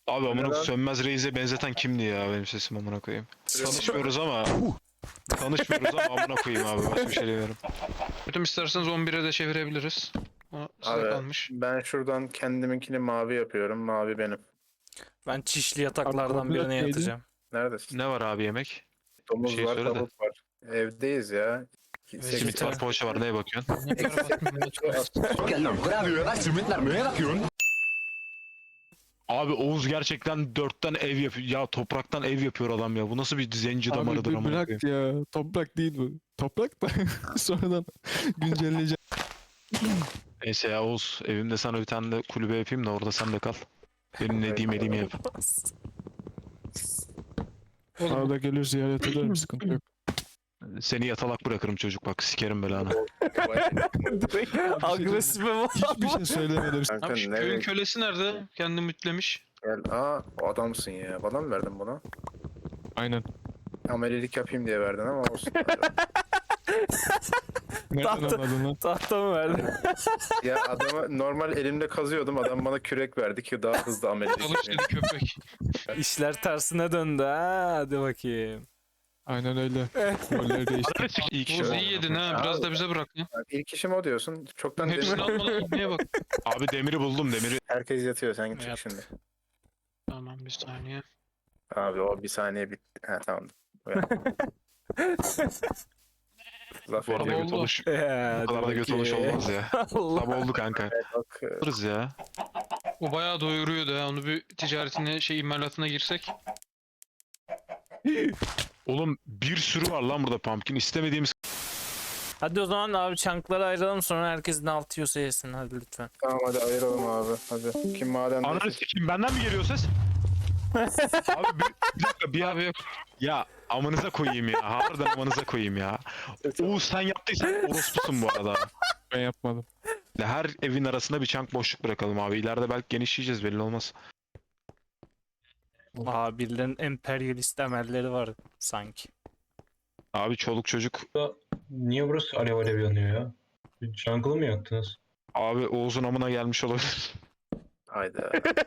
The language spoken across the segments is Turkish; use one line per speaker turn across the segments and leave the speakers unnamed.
Abi amına
Neden?
Sönmez Reis'e benzeten kimdi ya benim sesim amına koyayım. Tanışmıyoruz ama tanışmıyoruz ama amına koyayım abi başka bir şey demiyorum.
Kötüm isterseniz 11'e de çevirebiliriz. O size
Abi
kalmış.
ben şuradan kendiminkini mavi yapıyorum. Mavi benim.
Ben çişli yataklardan
koordinat
birine
neydi?
yatacağım.
Neredesin?
Ne var abi yemek?
Domuz
şey
var,
söyle de.
tavuk var. Evdeyiz ya.
Evet,
Simit var, poğaça var, neye bakıyorsun?
Ne kadar bakmıyorum.
Abi Oğuz gerçekten 4'ten ev yapıyor. Ya topraktan ev yapıyor adam ya. Bu nasıl bir zenci
Abi
damarıdır
bir
amına
bırak
koyayım.
ya. Toprak değil bu. Toprak da sonradan güncelleyeceğim.
Neyse ya Oğuz evimde sana bir tane de kulübe yapayım da orada sen de kal. Benim ne diyeyim elimi yap.
Arada gelir ziyaret ederim, sıkıntı yok.
Seni yatalak bırakırım çocuk bak sikerim belanı.
Agresife var.
Hiçbir şey söylemedim.
Kanka
Abi şu
nereye
köyün kölesi nerede? Kendini mütlemiş.
gel? Aa o adamsın ya. Bana mı verdin bunu?
Aynen.
Amelilik yapayım diye verdin ama olsun.
Nereden
Tahta-
anladın lan?
Tahta mı verdin?
Ya adamı normal elimle kazıyordum. Adam bana kürek verdi ki daha hızlı amelilik
Çalış
yapayım.
dedi köpek.
İşler tersine döndü ha. Hadi bakayım.
Aynen öyle. Rolleri değişti.
İyi kişi
Oğuz
var.
iyi yedin ha. Biraz da bize bırak ya.
Bak, İlk işim o diyorsun. Çoktan
Hepsini
demir...
almadan gitmeye bak.
Abi demiri buldum demiri.
Herkes yatıyor. Sen git
Yap.
şimdi.
Tamam bir saniye.
Abi o bir saniye bitti. Ha tamam. Uyan. Laf
Bu arada
ediyor.
oldu.
göt oluş.
Hadi
Bu kadar da göt oluş
bakayım.
olmaz ya.
Allah.
Sabah oldu kanka.
Bak
Alırız ya.
O bayağı doyuruyordu ha. Onu bir ticaretine imalatına girsek.
Oğlum bir sürü var lan burada pumpkin. İstemediğimiz
Hadi o zaman abi çankları ayıralım, sonra herkes ne altıyorsa yesin, hadi lütfen.
tamam hadi ayıralım abi. Hadi. Kim maden
Ananı sikeyim benden mi geliyor ses? Abi bir dakika bir abi yok. Ya amanıza koyayım ya. Harbiden amanıza koyayım ya. Oğuz sen yaptıysan orospusun bu arada.
Ben yapmadım.
Her evin arasında bir çank boşluk bırakalım abi. İleride belki genişleyeceğiz belli olmaz.
Aa, birilerinin emperyalist emelleri var sanki.
Abi çoluk çocuk.
Niye burası alev alev yanıyor ya? Jungle mı yaktınız?
Abi Oğuz'un amına gelmiş olabilir.
Hayda.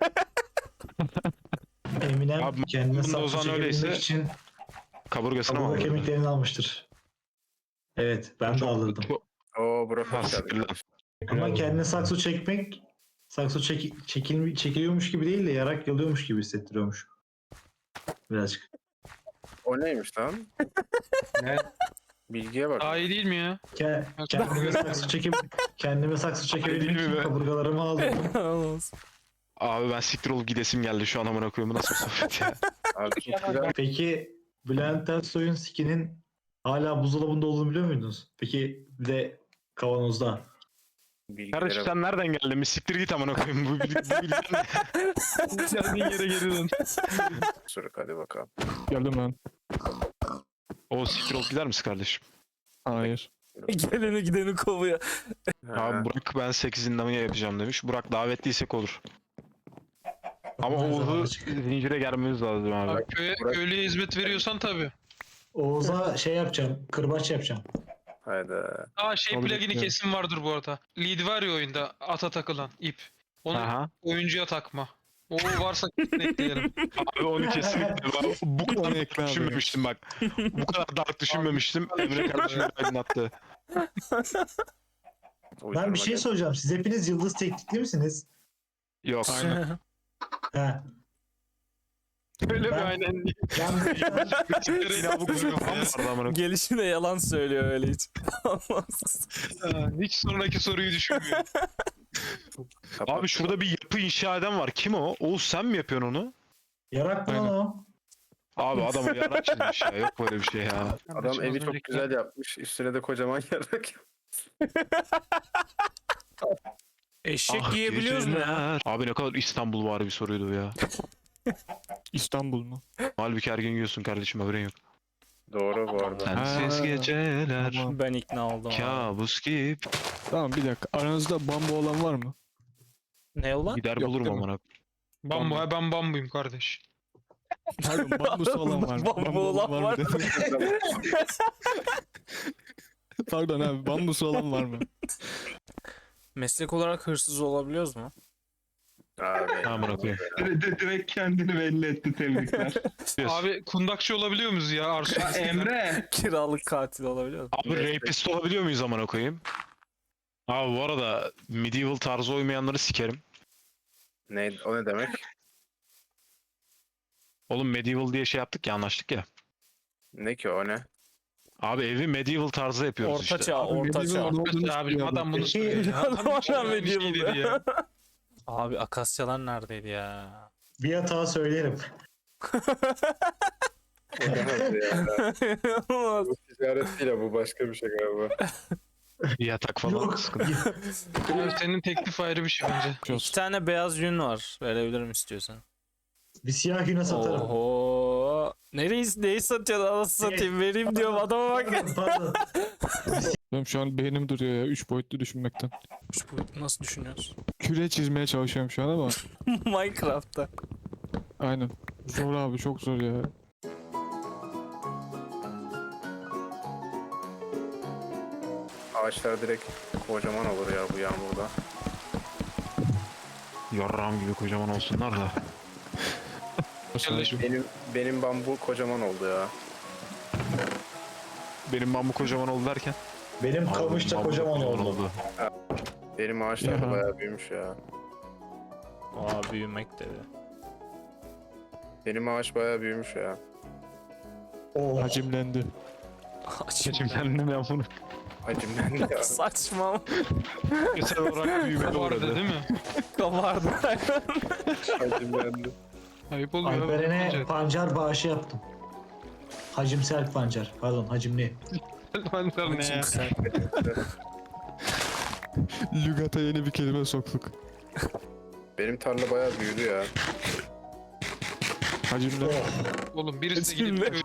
Eminem
Abi,
kendine
bunda o
saksı
zaman öyleyse
çekebilmek için
Kaburgasına mı
kaburga
aldı?
kemiklerini almıştır. Evet, ben de alırdım.
Oo bro
Ha,
hoş
siktir
geldin.
lan.
Ama kendine saksı çekmek, çekiliyormuş gibi değil de yarak yalıyormuş gibi hissettiriyormuş. Birazcık.
O neymiş lan?
Ne?
Bilgiye bak.
Daha iyi değil mi ya?
Kendime saksı çekebilmek
Değil mi
için
be?
kaburgalarımı aldım.
Abi ben siktir olup gidesim geldi şu an amına koyayım. Bu nasıl bir sohbet ya?
Abi çok güzel.
Peki Bülent Ersoy'un skinin hala buzdolabında olduğunu biliyor muydunuz? Peki bir de kavanozda.
Bilgilere
Kardeş sen nereden geldin? Bir siktir git amına koyayım. Bu bilgiler ne? Geldiğin yere geri dön.
Sürük hadi bakalım.
Geldim ben.
O siktir olup gider misin kardeşim?
Hayır.
Geleni gideni kovuyor.
Abi Burak ben 8 indamaya yapacağım demiş. Burak davetliysek olur. Ama
Her zaman
Oğuz'u
açık.
zincire germemiz lazım abi.
Abi köylüye hizmet veriyorsan tabii.
Oğuz'a şey yapacağım, kırbaç yapacağım.
Hayda.
Aa şey
Kabul
plugini
etmiyorum.
kesin vardır bu arada. Lead var ya oyunda ata takılan ip. Onu
Aha.
oyuncuya takma. O varsa kesin ekleyelim.
Abi onu kesinlikle bu
Onu
kadar
ekle abi.
düşünmemiştim bak. Bu kadar dark düşünmemiştim. Emre kardeşim aydınlattı.
Ben bir şey soracağım. Siz hepiniz yıldız teknikli misiniz?
Yok.
Aynen.
He.
Öyle bir
Ben-
aynen.
Ben
Ya bu kızın kafam vardı amına koyayım.
Gelişine yalan söylüyor öyle hiç. Anlamsız.
Ha, hiç sonraki soruyu düşünmüyor.
Abi şurada bir yapı inşa eden var. Kim o? Oğuz sen mi yapıyorsun onu?
yarak mı lan
Aynen.
o?
Abi adama yarak çizmiş ya. Yok böyle bir şey ya.
Adam evi çok güzel yapmış. Üstüne de kocaman yarak.
Eşek
Ah,
yiyebiliyoruz mu ya?
geceler. Abi ne kadar İstanbul var bir soruydu bu ya.
İstanbul mu?
Halbuki her gün yiyorsun kardeşim haberin yok.
Doğru bu arada.
Sensiz
Ha,
geceler.
tamam.
Ben ikna oldum abi.
Kabus gibi.
Tamam bir dakika. Aranızda bambu olan var mı?
Ne ulan?
Gider
Yok,
bulurum
değil mi?
amına.
Bambu ha ben bambuyum kardeş.
Pardon bambusu olan var mı?
Bambu olan var
mı? Pardon abi bambusu olan var mı?
Meslek olarak hırsız olabiliyoruz mu?
Abi.
Amına koyayım.
Direkt kendini belli etti, tebrikler.
Abi kundakçı olabiliyor muyuz ya Arsu?
Ya Emre.
Kiralık katil olabiliyor mu?
Abi rapist olabiliyor muyuz amına koyayım? Abi bu arada medieval tarzı uymayanları sikerim.
Ne, o ne demek?
Oğlum medieval diye şey yaptık ya, anlaştık ya.
Ne ki o ne?
Abi evi medieval tarzı yapıyoruz
Orta
işte.
çağ, orta çağ.
Abi adam bunu
Peki-
söylüyor. Adam hiç
Adam
öyle bir şey
medieval
dedi ya.
Abi akasyalar neredeydi ya?
Bir hata söyleyelim.
Olamaz ya.
Olmaz.
Bu ticaret değil ya, bu başka bir şey galiba.
Bir yatak falan
Yok.
sıkıntı.
Abi senin teklif ayrı bir şey bence.
İki tane beyaz yün var. Verebilirim istiyorsan.
Bir siyah güne satarım.
Oho. Neyi satıyorsun anasını satayım, vereyim diyorum adama bak.
Pardon.
Benim şu an beynim duruyor ya 3 boyutlu düşünmekten.
Bu nasıl düşünüyorsun?
Küre çizmeye çalışıyorum şu an ama
Minecraft'ta.
aynen. Zor abi, çok zor ya.
Ağaçlar direkt kocaman olur ya bu yağmurda.
Yarram gibi kocaman olsunlar da.
Kardeşim.
Benim bambu kocaman oldu ya.
Benim bambu kocaman oldu derken.
Benim
Abi,
kamış da
bambu
kocaman oldu.
Benim ağaçlar da
Ya.
bayağı büyümüş ya.
Aa, büyümek dedi.
Benim ağaç bayağı büyümüş ya.
Oh.
Hacimlendi.
Geçimden ben bunu.
Hacimlendi ya.
Saçma.
Mesela olarak büyüme
Vardı
uğradı.
değil mi?
Kabardı.
Hacimlendi.
Ayıp oluyor.
Alperen'e
Bence.
pancar bağışı yaptım. Hacimsel pancar. Pardon, hacimli.
Pancar ne ya?
Sen.
Lügata yeni bir kelime soktuk.
Benim tarla bayağı büyüdü ya.
Hacimle.
Oğlum birisi de
Kimle?
gidip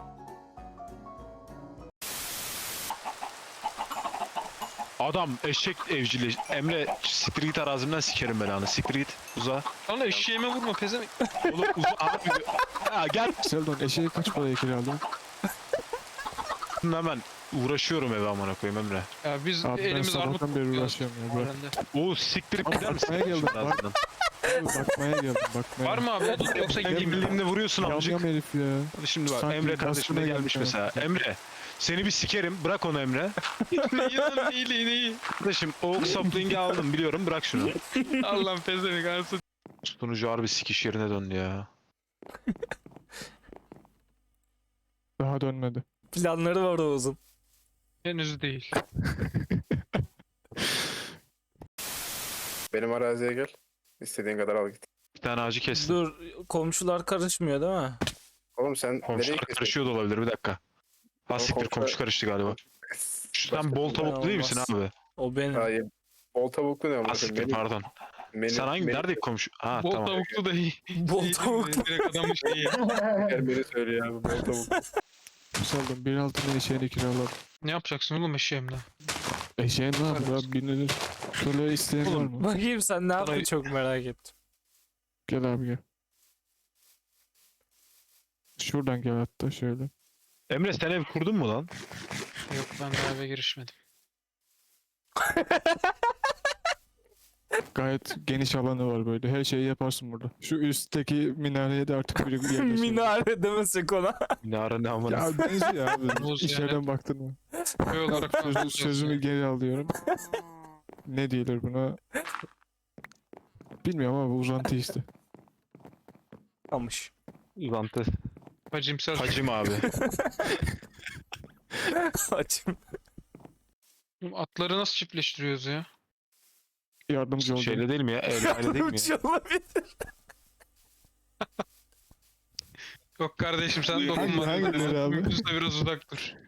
Adam eşek evcili. Emre siktir git arazimden sikerim belanı. Siktir git uza.
Lan eşeğime vurma pezevenk.
Oğlum uza abi. Ya gel.
Seldon eşeği kaç paraya kiraladın?
Hemen uğraşıyorum eve amına koyayım Emre.
Ya biz
Abi ben
elimiz armut
sabahtan beri
kokuyor.
uğraşıyorum ya. Bırak.
Öğrendi.
Oğuz siktirip
Abi
gider misin?
bakmaya geldim, bak.
Arazimden?
Abi bakmaya geldim, bakmaya.
Var mı abi odun yoksa
Sen
gideyim mi?
birliğimle vuruyorsun
Yam
amcık.
yam herif ya.
Hadi şimdi bak
Sanki
Emre kardeşim de
gaspına
gelmiş
geldik
mesela. Emre seni bir sikerim, bırak onu Emre.
Neyi lan neyi?
Kardeşim oak sapling'i aldım biliyorum, bırak şunu.
Allah'ım pezevenk arası.
Sunucu harbi sikiş yerine döndü ya.
Daha dönmedi.
Planları var Oğuz'un.
Henüz değil.
Benim araziye gel. İstediğin kadar al git.
Bir tane ağacı kestim.
Dur, komşular karışmıyor değil mi?
Oğlum sen nereye
Komşular
kesiyorsun?
karışıyor da olabilir, bir dakika. Ha siktir, komşu karıştı galiba. Sen bol tavuklu değil misin
olmaz.
abi?
O benim.
Hayır. Bol tavuklu ne
Ha
ama?
siktir, pardon. Sen hangi, nerede komşu? Ha
Bol
tamam.
tavuklu da iyi.
Bol
İyi
tavuk.
değil mi? Direkt adamın şeyi.
Gel beni söyle ya, bu bol tavuklu.
Seldon bir altına eşeğini kiraladım.
Ne yapacaksın oğlum eşeğimle?
Eşeğin ne yapıyor abi, binilir. Şöyle isteyen var mı?
Bakayım sen ne yaptın,
Sana-
çok merak ettim.
Gel abi gel. Şuradan gel hatta şöyle.
Emre sen ev kurdun mu lan?
Yok ben daha eve girişmedim.
Gayet geniş alanı var böyle. Her şeyi yaparsın burada. Şu üstteki minareye de artık bir yerleşelim.
Minare demesek ona.
Minare ne amına.
Ya benziyor abi.
Boz
İçeriden baktın mı?
Köy olarak falan
Sözümü geri alıyorum. Ne diyorlar buna? Bilmiyorum ama bu uzantı işte.
Kamış.
Uzantı.
Hacimsel.
Hacim abi.
Açım.
Atları nasıl çiftleştiriyoruz ya?
Yardımcı oldum.
Şeyle değil mi ya? Evle değil mi ya?
Uç olabilir.
Yok kardeşim sen dokunma.
hangileri abi?
Mümkünse biraz uzak dur.